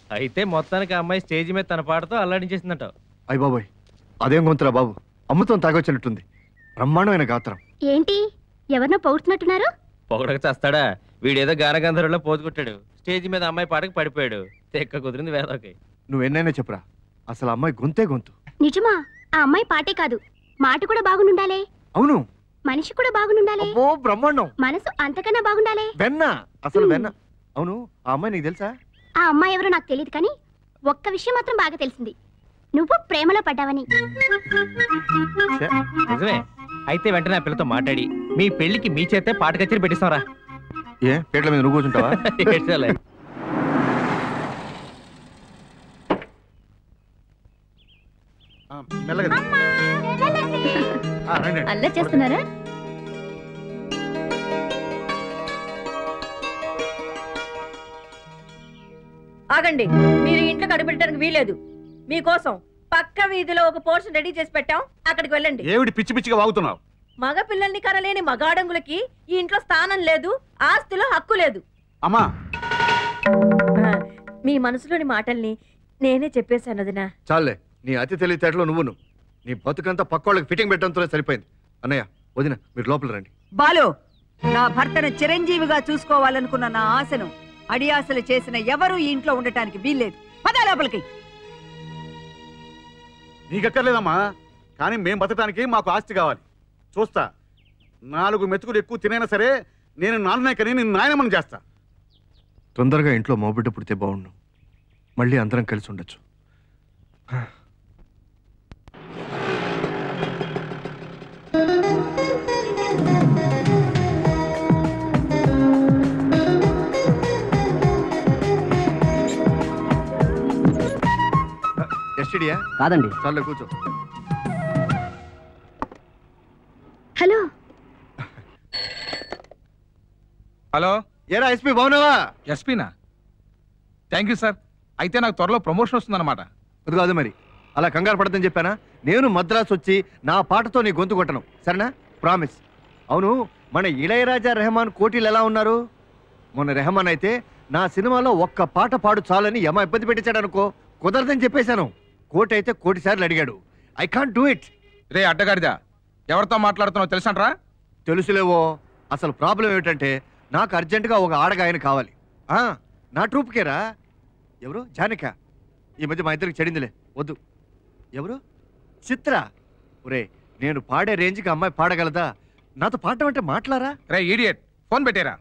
అయితే మొత్తానికి ఆ అమ్మాయి స్టేజ్ మీద తన పాటతో అల్లాడించేసిందంట. అయ్య బాబోయ్, అదేం గొంతురా బాబు, అమృతం తాగొచ్చినట్టుంది. బ్రహ్మాండమైన గాత్రం. ఏంటి ఎవరినో పొగుడుతున్నట్టున్నారు? పొగడక చేస్తాడా? వీడేదో గానగంధర్వులో పోజు కొట్టాడు, స్టేజ్ మీద అమ్మాయి పాటకు పడిపోయాడు. తెక్క కుదిరింది వేదోకి. నువ్వెన్నైనా చెప్పురా, అసలు అమ్మాయి గొంతే గొంతు. నిజమా? ఆ అమ్మాయి పాటే కాదు, మాట కూడా బాగుండాలే. అవును, మనిషి కూడా బాగుండాలే. అబ్బో బ్రహ్మాండం. మనసు అంతకన్నా బాగుండాలే. వెన్న, అసలు వెన్న. అవును, ఆ అమ్మాయి నీకు తెలుసా? ఆ అమ్మాయి ఎవరో నాకు తెలియదు, కానీ ఒక్క విషయం మాత్రం బాగా తెలిసింది, నువ్వు ప్రేమలో పడ్డావని. నిజమే. అయితే వెంటనే ఆ పిల్లతో మాట్లాడి మీ పెళ్లికి మీ చేతే పాట కచేరీ పెట్టిస్తారా? ఏ పేట్ల మీద నువ్వు కూర్చుంటావా? అల్లరి చేస్తున్నారా? ఆగండి, మీరు ఇంట్లో కడుపెట్టడానికి వీలేదు. మీకోసం పక్క వీధిలో ఒక పోర్షన్ రెడీ చేసి పెట్టాం, అక్కడికి వెళ్ళండి. ఏమిటి పిచ్చి పిచ్చిగా వాగుతున్నావు? మగ పిల్లల్ని కనలేని మగాడంగులకి ఈ ఇంట్లో స్థానం లేదు, ఆస్తిలో హక్కు లేదు. అమ్మా, మీ మనసులోని మాటల్ని నేనే చెప్పేశాను వదినా. చాలే, నీ అతి తెలివితేటలో నువ్వును. నీ బతుకంతా పక్కోళ్ళకి ఫిట్టింగ్ పెట్టడంతో సరిపోయింది. అన్నయ్య, వదిన, మీరు లోపల రండి. బాలు, నా భర్తను చిరంజీవిగా చూసుకోవాలనుకున్న నా ఆశను అడియాసలు చేసిన ఎవరు ఈ ఇంట్లో ఉండటానికి వీల్లేదు. పద లోపలికి. నీకెక్కర్లేదమ్మా, కానీ మేం బతకడానికి మాకు ఆస్తి కావాలి. చూస్తా, 4 మెతుకులు ఎక్కువ తినైనా సరే నేను నాన్ననే కని నేను నాయనమ్మని చేస్తా. తొందరగా ఇంట్లో మోబిడ్డ పుడితే బాగుండు, మళ్ళీ అందరం కలిసి ఉండొచ్చు. ఎస్టీడీయా? కాదండి. చాలే, కూర్చో. హలో. హలో, ఏరా ఎస్పీ, బాగున్నావా? ఎస్పీనా? Thank you sir. అయితే నాకు త్వరలో ప్రమోషన్ వస్తుందన్నమాట. అది కాదు మరి, అలా కంగారు పడదని చెప్పానా? నేను మద్రాసు వచ్చి నా పాటతో నీ గొంతు కొట్టను, సరేనా? ప్రామిస్. అవును, మన ఇళయరాజా రెహమాన్ కోటీలు ఎలా ఉన్నారు? మొన్న రెహమాన్ అయితే నా సినిమాలో ఒక్క పాట పాడు చాలని యమ ఇబ్బంది పెట్టించాడు అనుకో, కుదరదని చెప్పేశాను. కోటి అయితే 1 కోటి సార్లు అడిగాడు. I can't do it. రే అడ్డగాడిదా, ఎవరితో మాట్లాడుతున్నావు తెలుసంట్రా? తెలుసులేవో. అసలు ప్రాబ్లం ఏమిటంటే, నాకు అర్జెంటుగా ఒక ఆడగాయన కావాలి. నా ట్రూప్కేరా. ఎవరు? జానిక. ఈ మధ్య మా ఇద్దరికి చెడిందిలే, వద్దు. ఎవరు? చిత్ర. ఒరే, నేను పాడే రేంజ్కి అమ్మాయి పాడగలదా? నాతో పాడటం అంటే మాట్లారా? రే ఈడియట్, ఫోన్ పెట్టేరా.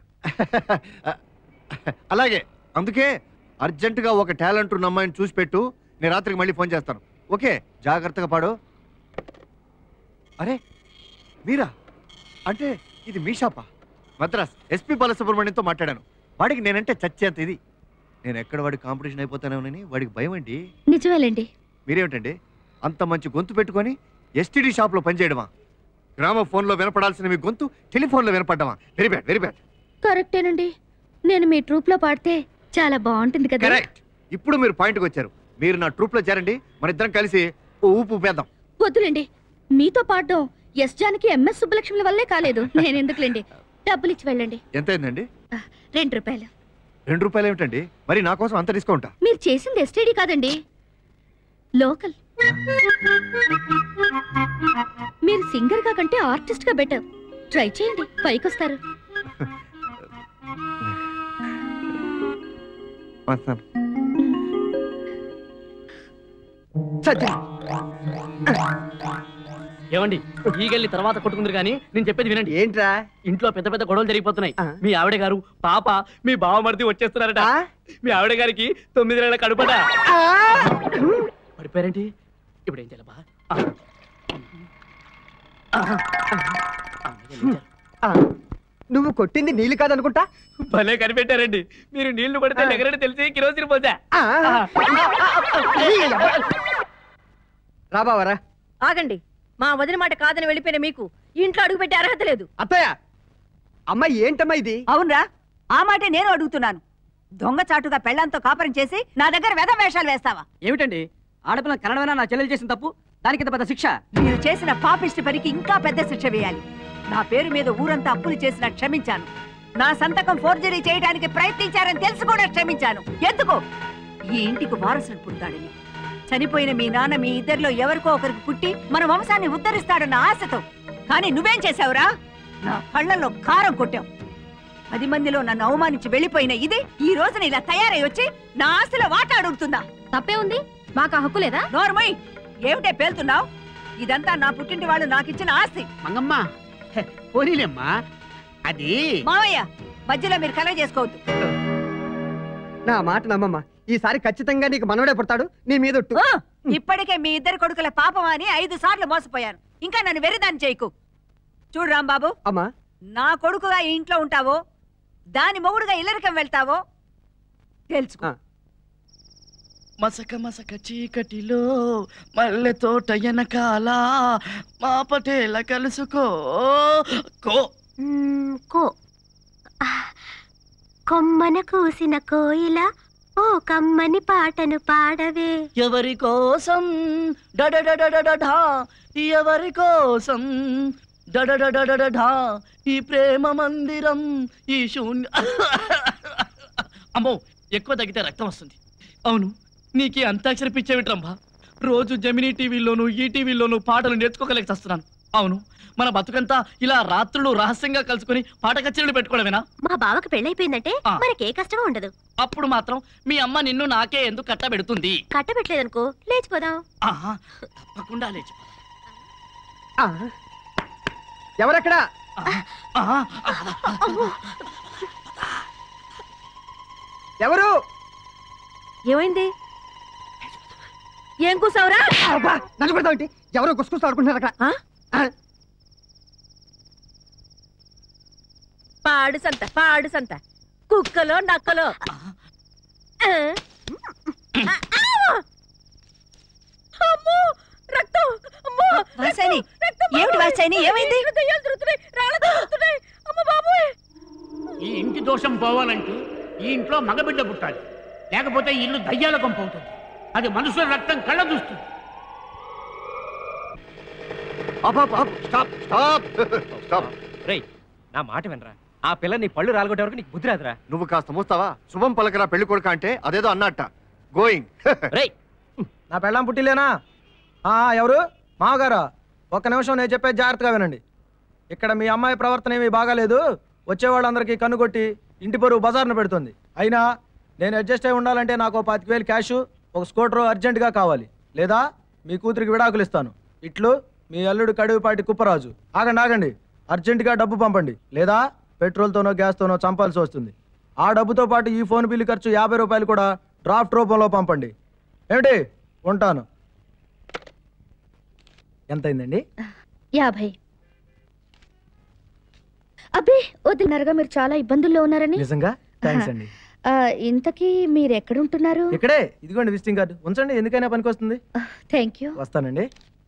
అలాగే, అందుకే అర్జెంటుగా ఒక టాలెంట్ ఉన్న అమ్మాయిని చూసి పెట్టు. నేను రాత్రికి మళ్ళీ ఫోన్ చేస్తాను. ఓకే, జాగ్రత్తగా పాడు. అరే మీరా? అంటే ఇది మీ షాపా? మద్రాస్ ఎస్పీ బాలసుబ్రహ్మణ్యంతో మాట్లాడాను. వాడికి నేనంటే చచ్చేంత ఇది. నేను ఎక్కడ వాడికి కాంపిటీషన్ అయిపోతానేమోనని వాడికి భయం అండి. నిజమేలేండి. మీరేమిటండి అంత మంచి గొంతు పెట్టుకొని ఎస్టీడీ షాప్లో పనిచేయడమా? గ్రామ ఫోన్లో వినపడాల్సిన మీ గొంతు టెలిఫోన్లో వినపడ్డమా? Very bad, very bad. కరెక్టేనండి, నేను మీ ట్రూప్లో పాడితే చాలా బాగుంటుంది కదా. కరెక్ట్. ఇప్పుడు మీరు పాయింట్కి వచ్చారు. మీరు నా ట్రూప్లో చేరండి, మన ఇద్దరం కలిసి ఊపు ఊపేద్దాం. వద్దులేండి, మీతో పాడడం ఎస్ జానకి ఎంఎస్ సుబ్బలక్ష్మి వల్లే కాలేదు. నేను ఎందుకులేండి, డబ్బులు ఇచ్చి వెళ్ళండి. ఎంత అయిందండి? 2 రూపాయలు. 2 రూపాయలు ఏమిటండి? మరి నా కోసం అంత డిస్కౌంటా? మీరు చేసింది ఎస్టీడీ కాదండి, లోకల్. మీరు సింగర్ గా కంటే ఆర్టిస్ట్ గా బెటర్. ట్రై చేయండి, పైకొస్తారు. ఏమండి, ఈగల్ని తర్వాత కొట్టుకుందరు కానీ నేను చెప్పేది వినండి. ఏంట్రా? ఇంట్లో పెద్ద పెద్ద గొడవలు జరిగిపోతున్నాయి. మీ ఆవిడ గారు, పాప, మీ బావమరిది వచ్చేస్తున్నారట. మీ ఆవిడ గారికి 9 నెలల కడుపట. పడిపోయారేంటి? ఇప్పుడు ఏం చేయాలబ్బా? నువ్వు కొట్టింది నీళ్ళు కాదనుకుంటా. భలే కనిపెట్టారండి. మీరు నీళ్లు పడితే ఎగరని తెలిసి కిరోసిన్ పోతా. రాబావరా. ఆగండి, మా వదిన మాట కాదని వెళ్ళిపోయిన మీకు ఇంట్లో అడుగు పెట్టే అర్హత లేదు. అత్తయ్య, అమ్మాయి ఏంటమ్మా ఇది? అవునరా, ఆ మాటే నేను అడుగుతున్నాను. దొంగచాటుగా పెళ్లంతో కాపురం చేసి నా దగ్గర వెధ వేషాలు వేస్తావా? ఏమిటండి, ఆడపిల్ల కనడమైనా నా చెల్లెలు చేసిన తప్పు, దానికి పెద్ద శిక్ష? మీరు చేసిన పాపిష్టి పనికి ఇంకా పెద్ద శిక్ష వేయాలి. నా పేరు మీద ఊరంతా అప్పులు చేసినా క్షమించాను. నా సంతకం ఫోర్జరీ చేయడానికి ప్రయత్నించారని తెలిసి కూడా క్షమించాను. ఎందుకు? ఈ ఇంటికి వారసుడు పుడతాడని, చనిపోయిన మీ నాన్న మీ ఇద్దరిలో ఎవరికో ఒకరికి పుట్టి మన వంశాన్ని ఉద్ధరిస్తాడన్న ఆశతో. కానీ నువ్వేం చేశావురా? నా కళ్ళల్లో కారం కొట్టావు. 10 మందిలో నన్ను అవమానించి వెళ్ళిపోయిన ఇది ఈ రోజున ఇలా తయారై వచ్చి నా ఆశలో వాటా అడుగుతుందా? తప్పే ఉంది, మాకు ఆ హక్కు లేదా? నోర్మయ్, ఏమిటే పేలుతున్నావు? ఇదంతా నా పుట్టింటి వాళ్ళు నాకిచ్చిన ఆస్తి. మంగమ్మ పోనీలేమ్మా, అది మావయ్య మధ్యలో మీరు కలగ చేసుకోవద్దు. నా మాట నమ్మమ్మా, ఈసారి ఖచ్చితంగా నీకు మనవడే పుడతాడు. నీ మీద ఒట్టు. ఇప్పటికే మీ ఇద్దరు కొడుకుల పాపం అని 5 సార్లు మోసపోయాను. ఇంకా నన్ను వెర్రిదాన్ని చేయకు. చూడు రాంబాబు, అమ్మా, నా కొడుకుగా ఈ ఇంట్లో ఉంటావో, దాని మొగుడుగా ఇల్లరికం వెళ్తావో తెలుసుకో. మసక మసక చీకటిలో మల్లె తోట వెనకాల మా పటేల కలుసుకో కో కొమ్మన కూసిన కోయిల ఓ కమ్మని పాటను పాడవే. ఎవరి కోసం డడడడడడా, ఎవరి కోసం డడడడడడా, ఈ ప్రేమ మందిరం ఈ శూన్య. అమ్మో, ఎక్కువ తగ్గితే రక్తం వస్తుంది. అవును, నీకు అంతాక్షరి పిచ్చేవిట్రమ్మా. రోజు జమినీ టీవీలోను ఈటీవీలోను పాటలు నేర్చుకోగలేక వస్తున్నాను. అవును, మన బతుకంతా ఇలా రాత్రులు రహస్యంగా కలుసుకుని పాట కచేరీలు పెట్టుకోవడమేనా? మా బావకు పెళ్ళైపోయిందంటే మనకే కష్టం ఉండదు. అప్పుడు మాత్రం మీ అమ్మ నిన్ను నాకే ఎందుకు కట్టబెడుతుంది? కట్టబెట్టలేదనుకో లేచిపోదాం. తప్పకుండా లేచిపోదాం. ఎవరెక్కడా? ఎవరు? ఏమైంది? ఏం కూసావురా? నన్ను పెడతావు ఏంటి? ఎవరో గుసగుసలు ఆడుకుంటున్నారు అక్కడ. పాడు సంత కుక్కలో నక్కలో. ఈ ఇంటి దోషం పోవాలంటే ఈ ఇంట్లో మగబిడ్డ పుట్టాలి, లేకపోతే ఈ ఇల్లు దయ్యాల కొంప అవుతుంది. అది మనుషుల రక్తం కళ్ళ చూస్తుంది. నా మాట వినరా, ఆ పిల్ల నీ పళ్ళు రాలగొట్టే వరకు నీకు బుద్ధి రాదురా. నువ్వు కాస్త మూస్తావా? శుభం పలకరా పెళ్లి కొడుక అంటే అదేదో అన్నట్ట. గోయింగ్. నా పెళ్ళాం పుట్టిలేనా? ఎవరు? మామగారా? ఒక్క నిమిషం, నేను చెప్పేది జాగ్రత్తగా వినండి. ఇక్కడ మీ అమ్మాయి ప్రవర్తన ఏమీ బాగాలేదు. వచ్చేవాళ్ళందరికీ కన్నుకొట్టి ఇంటి పరువు బజార్ను పెడుతుంది. అయినా నేను అడ్జస్ట్ అయి ఉండాలంటే నాకు 25,000 క్యాష్, ఒక స్కూటర్ అర్జెంటుగా కావాలి. లేదా మీ కూతురికి విడాకులు ఇస్తాను. ఇట్లు మీ అల్లుడు కడివిపాటి కుప్పరాజు. ఆగండి, అర్జెంటుగా డబ్బు పంపండి, లేదా పెట్రోల్తోనో గ్యాస్తోనో చంపాల్సి వస్తుంది. ఆ డబ్బుతో పాటు ఈ ఫోన్ బిల్లు ఖర్చు 50 రూపాయలు కూడా డ్రాఫ్ట్ రూపంలో పంపండి. ఏమిటి? ఉంటాను. ఎంతైందండి? 50. అబ్బే వదిలినారుగా, మీరు చాలా ఇబ్బందుల్లో ఉన్నారని. నిజంగా? థాంక్స్ అండి. ఇంతకీ మీరు ఎక్కడుంటున్నారు? ఇక్కడే, ఇదిగోండి విజిటింగ్ కార్డు. ఉంచండి, ఎందుకైనా పనికి వస్తుంది. Thank you. వస్తానండి.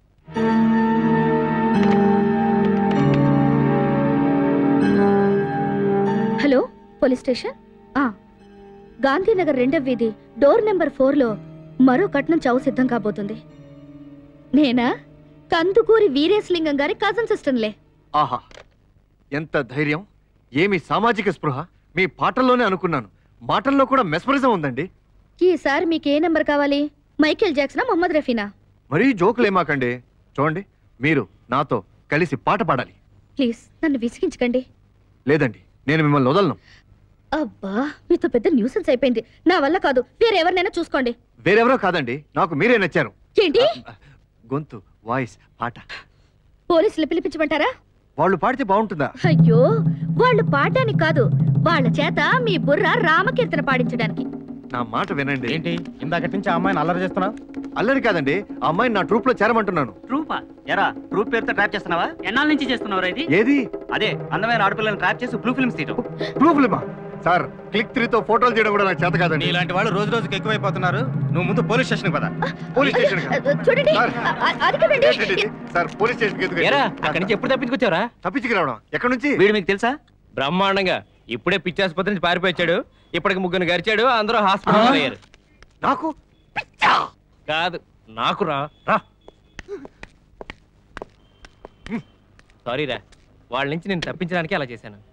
Hello, police station. గాంధీనగర్ 2వ వీధి డోర్ నెంబర్ 4లో మరో కట్నం చావు సిద్ధం కాబోతుంది. నేనా? కందుకూరి వీరేశలింగం గారి కజన్ సిస్టర్లే. ఆహా, ఎంత ధైర్యం! ఏమి సామాజిక స్పృహ! మీ పాటల్లోనే అనుకున్నాను, మాటల్లో కూడా మెస్మరిజం ఉందండి. ఈసారి మీకు ఏ నెంబర్ కావాలి? మైకేల్ జాక్సనా, మొహమ్మద్ రఫీనా? మరీ జోకులేమాకండి. చూడండి, మీరు నాతో కలిసి పాట పాడాలి. ప్లీజ్ నన్ను విసిగించకండి. లేదండి, నేను మిమ్మల్ని వదలను. అబ్బా, మీతో పెద్ద న్యూసెన్స్ అయిపోయింది. నా వల్ల కాదు, వేరెవరినైనా చూసుకోండి. వేరెవరో కాదండి, నాకు మీరే నచ్చారు. ఏంటి? గొంతు, వాయిస్, పాట. పోలీసులు పిలిపించమంటారా? వాళ్ళు పాడితే బాగుంటుందా? అయ్యో, వాళ్ళు పాడడానికి కాదు, వాళ్ళ చేత మీ బుర్ర రామకీర్తన పాడించడానికి. నా మాట వినండి. ఏంటి ఇందాకటి నుంచి ఆ అమ్మాయిని అల్లరి చేస్తున్నావు? అల్లరి కాదండి, ఆ అమ్మాయిని నా ట్రూప్ లో చేరమంటున్నాను. ట్రూపా? ఎరా, ట్రూప్ పేరుతో ట్రాప్ చేస్తున్నావా? ఎన్నాళ్ళ నుంచి చేస్తున్నావు ఇది? ఏది? అదే అందమైన ఆడపిల్లని ట్రాప్ చేసి బ్లూ ఫిల్మ్స్ తీయటం. బ్లూ ఫిల్మా? సార్, క్లిక్ 3తో ఫోటోలు తీయడం కూడా నాకు చేత కాదండి. ఇలాంటి వాళ్ళు రోజు రోజుకి ఎక్కువైపోతున్నారు. నువ్వు ముందు పోలీస్ స్టేషన్ పద. పోలీస్ స్టేషన్ చూడండి. సార్, పోలీస్ స్టేషన్ అక్కడి నుంచి ఎప్పుడు తప్పించుకొచ్చావరా? తప్పించుకురావడం ఎక్కడి నుంచి? వీడు మీకు తెలుసా? బ్రహ్మాండంగా. ఇప్పుడే పిచ్చాసుపత్రి నుంచి పారిపోయాడు. ఇప్పటికి 3 గరిచాడు. అందరూ హాస్పిటల్ అయ్యారు. నాకు కాదు, నాకు రా. సారీ రా, వాళ్ళ నుంచి నేను తప్పించడానికి అలా చేశాను.